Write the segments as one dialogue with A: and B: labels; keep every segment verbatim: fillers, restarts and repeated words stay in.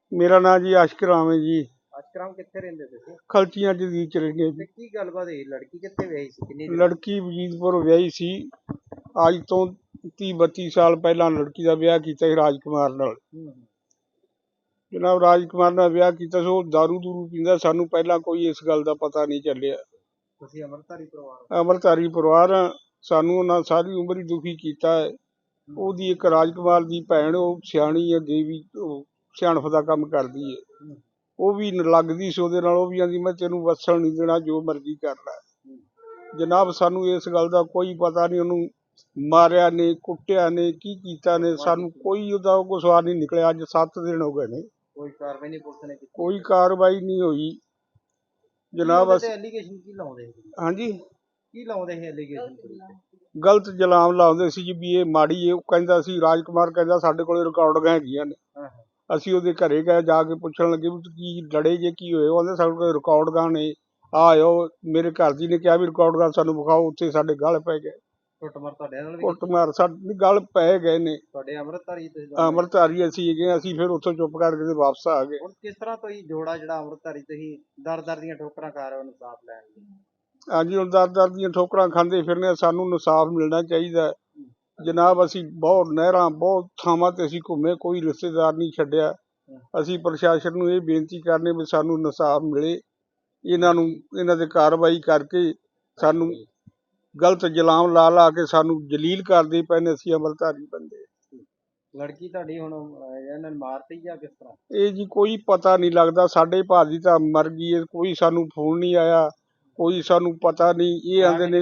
A: मेरा नाम जी आशिक राम है जी।
B: आशिक राम कित्थे रहिंदे तुसीं?
A: खलचियां जदीद च रहिंदे जी।
B: ते की गलबात होई? लड़की कित्थे विआही सी? किन्नी
A: लड़की वजीदपुर विआही सी। अज तो तीह बत्ती साल पहला लड़की का विआह कीता सी राजकुमार नाल। जनाब राजकुमार नाल विआह कीता सी। ओह दारू दूरू पींदा, सानू पहला कोई इस गल का पता नहीं चलिया।
B: तुसीं अमरधारी परिवार?
A: अमरधारी परिवार आ। सानू उन्हां सारी उम्र ही दुखी कीता है। ओहदी एक राजकुमार दी भैन ओह सियाणी है, देवी सियाणप दा काम करदी है। ਉਹ ਵੀ ਲੱਗਦੀ ਸੀ ਉਹਦੇ ਨਾਲ। ਉਹ ਵੀ ਆਂਦੀ ਮੈਂ ਤੈਨੂੰ ਵਸਣ ਨਹੀਂ ਦੇਣਾ, ਜੋ ਮਰਜ਼ੀ ਕਰ ਲੈ। ਜਨਾਬ ਸਾਨੂੰ ਇਸ ਗੱਲ ਦਾ ਕੋਈ ਪਤਾ ਨਹੀਂ। ਉਹਨੂੰ ਮਾਰਿਆ ਨੇ, ਕੁੱਟਿਆ ਨੇ, ਕੀ ਕੀਤਾ ਨੇ, ਸਾਨੂੰ ਕੋਈ ਉਹਦਾ ਕੋਈ ਸਵਾਲ ਨਹੀਂ ਨਿਕਲਿਆ। ਅੱਜ ਸੱਤ ਦਿਨ ਹੋ ਗਏ ਨੇ,
B: ਕੋਈ ਕਾਰਵਾਈ ਨਹੀਂ ਪੁਲਿਸ ਨੇ ਕੀਤੀ?
A: ਕੋਈ ਕਾਰਵਾਈ ਨਹੀਂ ਹੋਈ ਜਨਾਬ।
B: ਅਸੀਂ ਐਲੀਗੇਸ਼ਨ ਕੀ ਲਾਉਂਦੇ ਸੀ? ਹਾਂਜੀ ਕੀ ਲਾਉਂਦੇ ਸੀ ਐਲੀਗੇਸ਼ਨ?
A: ਗਲਤ ਜਲਾਮ ਲਾਉਂਦੇ ਸੀ ਜੀ ਵੀ ਇਹ ਮਾੜੀ ਹੈ। ਉਹ ਕਹਿੰਦਾ ਸੀ, ਰਾਜਕੁਮਾਰ ਕਹਿੰਦਾ ਸਾਡੇ ਕੋਲੇ ਰਿਕਾਰਡਿੰਗਾਂ ਹੈਗੀਆਂ ਨੇ। ਅਸੀਂ ਉਹਦੇ ਘਰੇ ਗਏ, ਜਾ ਕੇ ਪੁੱਛਣ ਲੱਗੇ ਵੀ ਕੀ ਲੜੇ ਜੇ, ਕੀ ਹੋਏ? ਉਹ ਕਹਿੰਦੇ ਸਾਡੇ ਕੋਲ ਰਿਕਾਰਡਿੰਗਾਂ ਨੇ, ਆਇਓ। ਮੇਰੇ ਘਰ ਦੀ ਨੇ ਕਿਹਾ ਵੀ ਰਿਕਾਰਡਿੰਗਾਂ ਸਾਨੂੰ ਵਿਖਾਓ। ਉੱਥੇ ਸਾਡੇ ਗਲ ਪੈ ਗਏ।
B: ਕੁੱਟਮਾਰ ਤੁਹਾਡੇ ਨਾਲ ਵੀ?
A: ਕੁੱਟਮਾਰ ਸਾਡੇ ਗਲ ਪੈ ਗਏ ਨੇ।
B: ਤੁਹਾਡੇ ਅੰਮ੍ਰਿਤਧਾਰੀ?
A: ਅੰਮ੍ਰਿਤਧਾਰੀ ਅਸੀਂ ਹੈਗੇ। ਅਸੀਂ ਫਿਰ ਉੱਥੋਂ ਚੁੱਪ ਕਰਕੇ ਤੇ ਵਾਪਸ ਆ ਗਏ।
B: ਹੁਣ ਕਿਸ ਤਰ੍ਹਾਂ ਤੁਸੀਂ ਜੋੜਾ ਜਿਹੜਾ ਅੰਮ੍ਰਿਤਧਾਰੀ ਤੁਸੀਂ ਦਰ ਦਰ ਦੀਆਂ ਠੋਕਰਾਂ ਖਾ ਰਹੇ ਹੋ ਇਨਸਾਫ ਲੈਣ ਲਈ?
A: ਹਾਂਜੀ ਹੁਣ ਦਰ ਦਰ ਦੀਆਂ ਠੋਕਰਾਂ ਖਾਂਦੇ ਫਿਰਨੇ। ਸਾਨੂੰ ਇਨਸਾਫ ਮਿਲਣਾ ਚਾਹੀਦਾ ਜਨਾਬ। ਅਸੀਂ ਬਹੁਤ ਨਹਿਰਾਂ, ਬਹੁਤ ਥਾਵਾਂ ਤੇ ਅਸੀਂ ਘੁੰਮੇ, ਕੋਈ ਰਿਸ਼ਤੇਦਾਰ ਨਹੀਂ ਛੱਡਿਆ। ਅਸੀਂ ਪ੍ਰਸ਼ਾਸਨ ਨੂੰ ਇਹ ਬੇਨਤੀ ਕਰਨੇ ਵੀ ਸਾਨੂੰ ਇਨਸਾਫ ਮਿਲੇ। ਇਹਨਾਂ ਨੂੰ ਇਹਨਾਂ ਤੇ ਕਾਰਵਾਈ ਕਰਕੇ ਸਾਨੂੰ ਗਲਤ ਜਲਾਮ ਲਾ ਲਾ ਕੇ ਸਾਨੂੰ ਜਲੀਲ ਕਰਦੇ ਪਏ ਨੇ। ਅਸੀਂ ਅੰਮ੍ਰਿਤਧਾਰੀ ਬੰਦੇ।
B: ਲੜਕੀ ਤੁਹਾਡੀ ਹੁਣ ਇਹਨਾਂ ਨੇ ਮਾਰਤੀ ਜਾਂ ਕਿਸ ਤਰ੍ਹਾਂ?
A: ਇਹ ਜੀ ਕੋਈ ਪਤਾ ਨਹੀਂ ਲੱਗਦਾ। ਸਾਡੇ ਭਾਜੀ ਤਾਂ ਮਰ ਗਈ ਹੈ, ਕੋਈ ਸਾਨੂੰ ਫੋਨ ਨਹੀਂ ਆਇਆ, ਕੋਈ ਸਾਨੂੰ ਪਤਾ ਨਹੀਂ। ਇਹ ਆਂਦੇ ਨੇ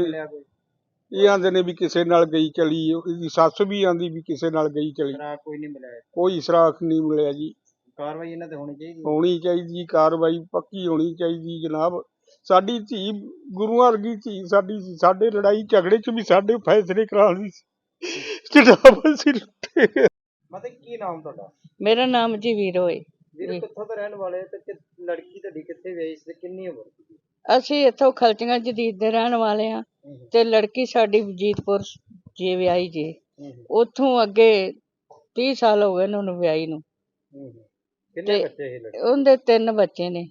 A: ਇਹ ਆਂਦੇ ਨੇ ਵੀ ਕਿਸੇ ਨਾਲ ਗਈ ਚਲੀ। ਇਹਦੀ ਸੱਸ ਵੀ ਆਂਦੀ ਵੀ ਕਿਸੇ ਨਾਲ ਗਈ ਚਲੀ।
B: ਕੋਈ ਨਹੀਂ ਮਿਲਿਆ? ਕੋਈ
A: ਸੁਰਾਖ ਨਹੀਂ ਮਿਲਿਆ ਜੀ।
B: ਕਾਰਵਾਈ ਇਹਨਾਂ ਤੇ ਹੋਣੀ ਚਾਹੀਦੀ?
A: ਹੋਣੀ ਚਾਹੀਦੀ, ਕਾਰਵਾਈ ਪੱਕੀ ਹੋਣੀ ਚਾਹੀਦੀ ਜਨਾਬ। ਸਾਡੀ ਧੀ ਗੁਰੂਆਂ ਵਰਗੀ ਧੀ ਸਾਡੀ ਸੀ। ਸਾਡੇ ਲੜਾਈ ਝਗੜੇ 'ਚ ਵੀ ਸਾਡੇ ਫੈਸਲੇ ਕਰਾਉਣ ਸੀ ਜਨਾਬ। ਅਸੀਂ ਲੁੱਟੇ।
B: ਮਤਲਬ ਕੀ ਨਾਮ ਤੁਹਾਡਾ?
C: ਮੇਰਾ ਨਾਮ ਜੀ ਵੀਰੋ ਹੈ।
B: ਵੀਰ ਕਿੱਥੋਂ ਦੇ ਰਹਿਣ ਵਾਲੇ ਤੇ ਲੜਕੀ ਤੁਹਾਡੀ ਕਿੱਥੇ ਵਿਆਹੀ ਸੀ, ਕਿੰਨੀ ਉਮਰ ਸੀ?
C: ਅਸੀਂ ਇੱਥੋਂ ਖਲਚੀਆਂ ਜਦੀਦ ਦੇ ਰਹਿਣ ਵਾਲੇ ਹਾਂ ਤੇ ਲੜਕੀ ਸਾਡੀ ਵਜੀਦਪੁਰ ਜੇ ਵਿਆਹੀ ਜੇ। ਉੱਥੋਂ ਅੱਗੇ ਤੀਹ ਸਾਲ ਹੋ ਗਏ ਨੇ ਉਹਨੂੰ ਵਿਆਹੀ ਨੂੰ।
B: ਕਿੰਨੇ ਬੱਚੇ ਸੀ ਲੜਕੀ?
C: ਉਹਦੇ ਤਿੰਨ ਬੱਚੇ ਨੇ।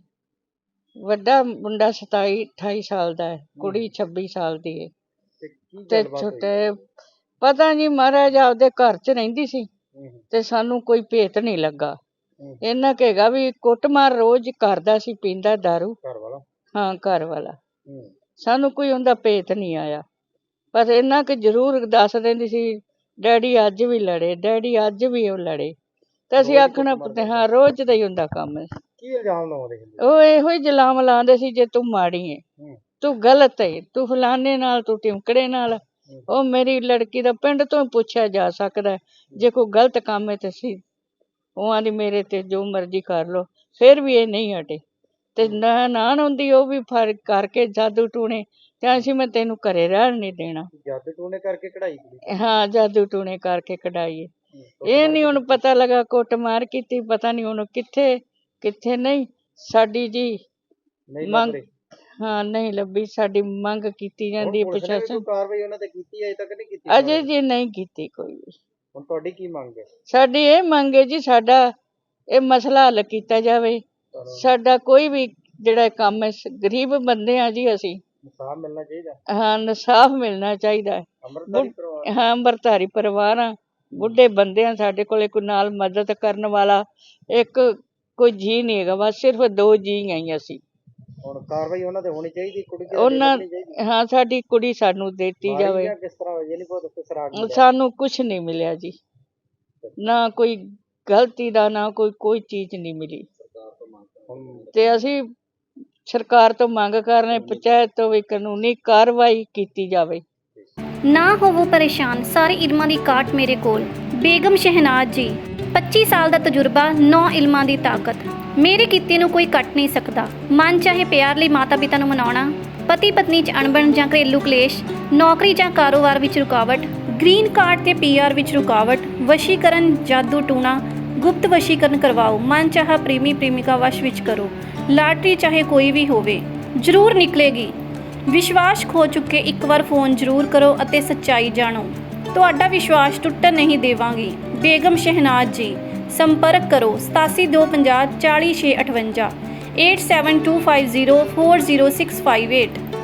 C: ਵੱਡਾ ਮੁੰਡਾ ਸਤਾਈ ਅਠਾਈ ਸਾਲ ਦਾ ਹੈ, ਕੁੜੀ ਛੱਬੀ ਸਾਲ ਦੀ ਹੈ ਤੇ ਛੋਟੇ ਪਤਾ ਨਹੀਂ ਮਹਾਰਾਜ ਆਪਦੇ ਘਰ 'ਚ ਰਹਿੰਦੀ ਸੀ ਤੇ ਸਾਨੂੰ ਕੋਈ ਭੇਤ ਨਹੀਂ ਲੱਗਾ। ਇਹਨਾਂ ਕਹੇਗਾ ਵੀ ਕੁੱਟਮਾਰ ਰੋਜ਼ ਕਰਦਾ ਸੀ, ਪੀਂਦਾ ਦਾਰੂ।
B: ਘਰ ਵਾਲਾ? ਹਾਂ
C: ਘਰ ਵਾਲਾ। ਸਾਨੂੰ ਕੋਈ ਉਹਦਾ ਭੇਤ ਨਹੀਂ ਆਇਆ। ਪਰ ਇੰਨਾ ਕਿ ਜ਼ਰੂਰ ਦੱਸ ਦਿੰਦੀ ਸੀ ਡੈਡੀ ਅੱਜ ਵੀ ਲੜੇ, ਡੈਡੀ ਅੱਜ ਵੀ ਉਹ ਲੜੇ। ਤੇ ਅਸੀਂ ਆਖਣਾ ਹਾਂ ਰੋਜ਼ ਦਾ ਹੀ ਹੁੰਦਾ ਕੰਮ।
B: ਕੀ ਇਲਜ਼ਾਮ ਲਾਉਂਦੇ?
C: ਉਹ ਇਹੋ ਹੀ ਜਲਾਮ ਲਾਉਂਦੇ ਸੀ ਜੇ ਤੂੰ ਮਾੜੀ ਹੈ, ਤੂੰ ਗਲਤ ਹੈ, ਤੂੰ ਫਲਾਣੇ ਨਾਲ, ਤੂੰ ਟਿਮਕੜੇ ਨਾਲ। ਉਹ ਮੇਰੀ ਲੜਕੀ ਦਾ ਪਿੰਡ ਤੋਂ ਪੁੱਛਿਆ ਜਾ ਸਕਦਾ ਜੇ ਕੋਈ ਗਲਤ ਕੰਮ ਹੈ ਤੇ ਅਸੀਂ ਉਹ ਆਂਦੀ ਮੇਰੇ ਤੇ ਜੋ ਮਰਜ਼ੀ ਕਰ ਲਓ। ਫਿਰ ਵੀ ਇਹ ਨਹੀਂ ਹਟੇ ਤੇ ਨਾ ਨਾਨ ਹੁੰਦੀ ਉਹ ਵੀ ਫੜ ਕਰਕੇ ਜਾਦੂ ਟੂਣੇ ਤੇ ਅਸੀਂ ਮੈਂ ਤੈਨੂੰ ਘਰੇ ਰਹਿਣ ਨਹੀਂ ਦੇਣਾ।
B: ਜਾਦੂ ਟੂਣੇ ਕਰਕੇ ਕਢਾਈ?
C: ਹਾਂ ਜਾਦੂ ਟੂਣੇ ਕਰਕੇ ਕਢਾਈ। ਇਹ ਨਹੀਂ ਹੁਣ ਪਤਾ ਲੱਗਾ ਕੁੱਟਮਾਰ ਕੀਤੀ, ਪਤਾ ਨਹੀਂ ਹੁਣ ਕਿੱਥੇ ਕਿੱਥੇ ਨਹੀਂ। ਸਾਡੀ ਜੀ ਮੰਗ ਹਾਂ ਨਹੀਂ ਲੱਭੀ। ਸਾਡੀ ਮੰਗ ਕੀਤੀ ਜਾਂਦੀ ਹੈ ਪ੍ਰਸ਼ਾਸਨ।
B: ਕਾਰਵਾਈ ਉਹਨਾਂ ਤੇ ਕੀਤੀ ਅਜੇ ਤੱਕ ਨਹੀਂ ਕੀਤੀ?
C: ਅਜੇ ਜੀ ਨਹੀਂ ਕੀਤੀ ਕੋਈ ਵੀ।
B: ਹੁਣ ਤੁਹਾਡੀ ਕੀ ਮੰਗ ਹੈ?
C: ਸਾਡੀ ਇਹ ਮੰਗ ਹੈ ਜੀ ਸਾਡਾ ਇਹ ਮਸਲਾ ਹੱਲ ਕੀਤਾ ਜਾਵੇ। ਸਾਡਾ ਕੋਈ ਵੀ ਜਿਹੜਾ ਕੰਮ ਹੈ, ਗਰੀਬ ਬੰਦੇ ਆ ਜੀ ਅਸੀਂ।
B: ਇਨਸਾਫ ਮਿਲਣਾ ਚਾਹੀਦਾ?
C: ਹਾਂ ਇਨਸਾਫ ਮਿਲਣਾ ਚਾਹੀਦਾ। ਹਾਂ ਅੰਮ੍ਰਿਤਧਾਰੀ ਪਰਿਵਾਰ ਆ, ਬੁੱਢੇ ਬੰਦੇ ਆ, ਸਾਡੇ ਕੋਲੇ ਕੋਈ ਨਾਲ ਮਦਦ ਕਰਨ ਵਾਲਾ ਇੱਕ ਕੋਈ ਜੀਅ ਨਹੀਂ ਹੈਗਾ। ਬਸ ਸਿਰਫ ਦੋ ਜੀਅ ਆਈ ਅਸੀਂ।
B: ਹੁਣ ਕਾਰਵਾਈ ਉਹਨਾਂ ਤੇ ਹੋਣੀ ਚਾਹੀਦੀ? ਕੁੜੀ
C: ਉਹਨਾਂ ਹਾਂ ਸਾਡੀ ਕੁੜੀ ਸਾਨੂੰ ਦਿੱਤੀ ਜਾਵੇ।
B: ਕਿਸ ਤਰ੍ਹਾਂ?
C: ਸਾਨੂੰ ਕੁਛ ਨਹੀਂ ਮਿਲਿਆ ਜੀ, ਨਾ ਕੋਈ ਗਲਤੀ ਦਾ, ਨਾ ਕੋਈ ਕੋਈ ਚੀਜ਼ ਨਹੀਂ ਮਿਲੀ ਤੇ ਅਸੀਂ ਸਰਕਾਰ ਤੋਂ ਮੰਗ ਕਰ ਰਹੇ ਪੰਚਾਇਤ ਤੋਂ ਵੀ ਕਾਨੂੰਨੀ ਕਾਰਵਾਈ ਕੀਤੀ ਜਾਵੇ।
D: ਨਾ ਹੋਵੋ ਪਰੇਸ਼ਾਨ, ਸਾਰੇ ਇਲਮਾਂ ਦੀ ਕਾਟ ਮੇਰੇ ਕੋਲ। ਬੇਗਮ ਸ਼ਹਿਨਾਜ਼ ਜੀ, ਪੱਚੀ ਸਾਲ ਦਾ ਤਜਰਬਾ, ਨੌ ਇਲਮਾਂ ਦੀ ਤਾਕਤ। ਮੇਰੇ ਕੀਤੇ ਨੂੰ ਕੋਈ ਕੱਟ ਨਹੀਂ ਸਕਦਾ। ਮਨ ਚਾਹੇ ਪਿਆਰ ਲਈ ਮਾਤਾ ਪਿਤਾ ਨੂੰ ਮਨਾਉਣਾ, ਪਤੀ ਪਤਨੀ 'ਚ ਅਣਬਣ ਜਾਂ ਘਰੇਲੂ ਕਲੇਸ਼, ਨੌਕਰੀ ਜਾਂ ਕਾਰੋਬਾਰ ਵਿੱਚ ਰੁਕਾਵਟ, ਗ੍ਰੀਨ ਕਾਰਡ ਤੇ ਪੀ ਆਰ ਵਿੱਚ ਰੁਕਾਵਟ, ਵਸ਼ੀਕਰਨ, ਜਾਦੂ ਟੂਣਾ, ਗੁਪਤ ਵਸ਼ੀਕਰਨ ਕਰਵਾਓ, ਮਨ ਚਾਹਾ ਪ੍ਰੇਮੀ ਪ੍ਰੇਮਿਕਾ ਵਸ਼ ਵਿੱਚ ਕਰੋ। ਲਾਟਰੀ ਚਾਹੇ ਕੋਈ ਵੀ ਹੋਵੇ ਜ਼ਰੂਰ ਨਿਕਲੇਗੀ। ਵਿਸ਼ਵਾਸ ਖੋ ਚੁੱਕੇ ਇੱਕ ਵਾਰ ਫੋਨ ਜ਼ਰੂਰ ਕਰੋ ਅਤੇ ਸੱਚਾਈ ਜਾਣੋ। ਤੁਹਾਡਾ ਵਿਸ਼ਵਾਸ ਟੁੱਟਣ ਨਹੀਂ ਦੇਵਾਂਗੀ। ਬੇਗਮ ਸ਼ਹਿਨਾਜ਼ ਜੀ, ਸੰਪਰਕ ਕਰੋ ਸਤਾਸੀ ਦੋ ਪੰਜਾਹ ਚਾਲੀ ਛੇ ਅਠਵੰਜਾ eight seven two five zero four zero six five eight.